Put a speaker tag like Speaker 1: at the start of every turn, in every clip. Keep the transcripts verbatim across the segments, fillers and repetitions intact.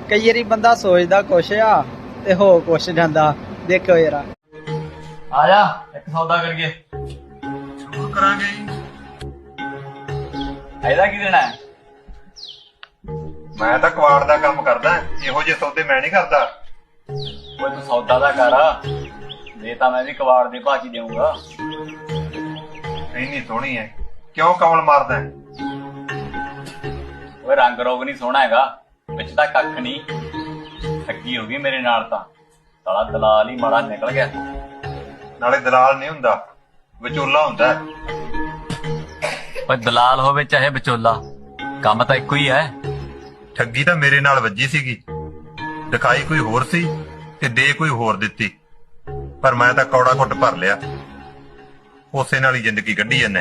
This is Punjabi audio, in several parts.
Speaker 1: कई बारी बंदा सोचदा कुछ आ ते हो कुछ जांदा। देखो जरा
Speaker 2: आ जा एक सौदा करिए।
Speaker 3: ਜ਼ਰੂਰ ਕਰਾਂਗੇ ਜੀ।
Speaker 2: ਇਹਦਾ ਕੀ ਦੇਣਾ ਹੈ?
Speaker 3: ਮੈਂ ਤਾਂ ਕਵਾੜ ਦਾ ਕੰਮ ਕਰਦਾ, ਇਹੋ ਜਿਹੇ ਸੌਦੇ ਮੈਂ ਨਹੀਂ ਕਰਦਾ।
Speaker 2: ਓਏ ਤੂੰ ਸੌਦਾ ਦਾ ਕਰ, ਦੇ ਤਾਂ ਮੈਂ ਵੀ ਕਵਾੜ ਦੇ ਭਾਅ 'ਚ ਹੀ ਦੇਊਂਗਾ।
Speaker 3: ਇੰਨੀ ਸੋਹਣੀ ਹੈ, ਕਿਉਂ ਕਮਲ ਮਾਰਦਾ ਹੈ?
Speaker 2: ਓਏ ਰੰਗ ਰੋਗ ਨਹੀਂ ਸੋਹਣਾ ਹੈਗਾ, ਵਿੱਚ ਤਾਂ ਕੱਖ ਨਹੀਂ। ਠੱਗੀ ਹੋ ਗਈ ਮੇਰੇ ਨਾਲ ਤਾਂ, ਸਾਲਾ ਦਲਾਲ ਹੀ ਮਾੜਾ ਨਿਕਲ ਗਿਆ।
Speaker 3: ਨਾਲੇ ਦਲਾਲ ਨਹੀਂ ਹੁੰਦਾ, ਵਿਚੋਲਾ ਹੁੰਦਾ ਹੈ।
Speaker 2: ਓਏ ਦਲਾਲ ਹੋਵੇ ਚਾਹੇ ਵਿਚੋਲਾ, ਕੰਮ ਤਾਂ ਇੱਕੋ ਹੀ ਹੈ।
Speaker 3: ਠੱਗੀ ਤਾਂ ਮੇਰੇ ਨਾਲ ਵੱਜੀ ਸੀਗੀ, ਦਿਖਾਈ ਕੋਈ ਹੋਰ ਸੀ ਤੇ ਦੇ ਕੋਈ ਹੋਰ ਦਿੱਤੀ, ਪਰ ਮੈਂ ਤਾਂ ਕੌੜਾ ਘੁੱਟ ਭਰ ਲਿਆ। ਉਸੇ ਨਾਲ ਹੀ ਜ਼ਿੰਦਗੀ ਕੱਢੀ ਜਾਂਦੇ।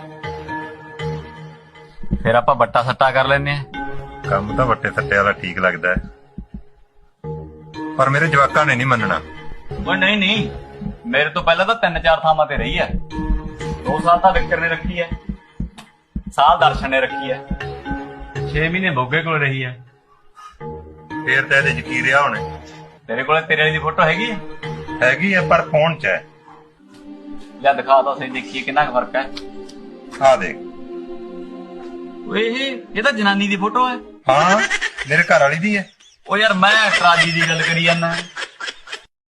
Speaker 2: ਫਿਰ ਆਪਾਂ ਬੱਟਾ ਸੱਟਾ ਕਰ ਲੈਨੇ ਆ।
Speaker 3: ਕੰਮ ਤਾਂ ਵੱਟੇ ਸੱਟੇ ਵਾਲਾ ਠੀਕ ਲੱਗਦਾ ਹੈ, ਪਰ ਮੇਰੇ ਜਵਾਕਾਂ ਨੇ ਨਹੀਂ ਮੰਨਣਾ।
Speaker 2: ਓਏ ਨਹੀਂ ਨਹੀਂ, ਮੇਰੇ ਤੋਂ ਪਹਿਲਾਂ ਤਾਂ ਤਿੰਨ ਚਾਰ ਥਾਵਾਂ ਤੇ ਰਹੀ ਹੈ। ਦੋ ਸਾਲ ਤਾਂ ਵਿਕਰ ਨੇ ਰੱਖੀ ਹੈ, ਸਾਲ ਦਰਸ਼ਨ ਨੇ ਰੱਖੀ ਹੈ, ਛੇ ਮਹੀਨੇ ਮੋਗੇ ਕੋਲ ਰਹੀ ਹੈ।
Speaker 3: ਫੇਰ ਤਾਂ ਇਹਦੇ ਚ ਕੀ ਰਿਹਾ ਹੁਣ?
Speaker 2: ਤੇਰੇ ਕੋਲੇ ਤੇਰੇ ਵਾਲੀ ਦੀ ਫੋਟੋ ਹੈਗੀ ਹੈ?
Speaker 3: ਹੈਗੀ ਆ, ਪਰ ਫੋਨ ਚ ਹੈ।
Speaker 2: ਲੈ ਦਿਖਾ ਤਾਂ ਸਹੀ, ਦੇਖੀਏ ਕਿੰਨਾ ਕੁ ਫਰਕ ਹੈ।
Speaker 3: ਆ ਦੇਖ।
Speaker 2: ਓਏ ਇਹ ਇਹ ਤਾਂ ਜਨਾਨੀ ਦੀ ਫੋਟੋ ਹੈ।
Speaker 3: ਹਾਂ, ਮੇਰੇ ਘਰ ਵਾਲੀ ਦੀ ਹੈ।
Speaker 2: ਓ ਯਾਰ ਮੈਂ ਟਰਾਲੀ ਦੀ ਗੱਲ ਕਰੀ ਜਾਂਦਾ।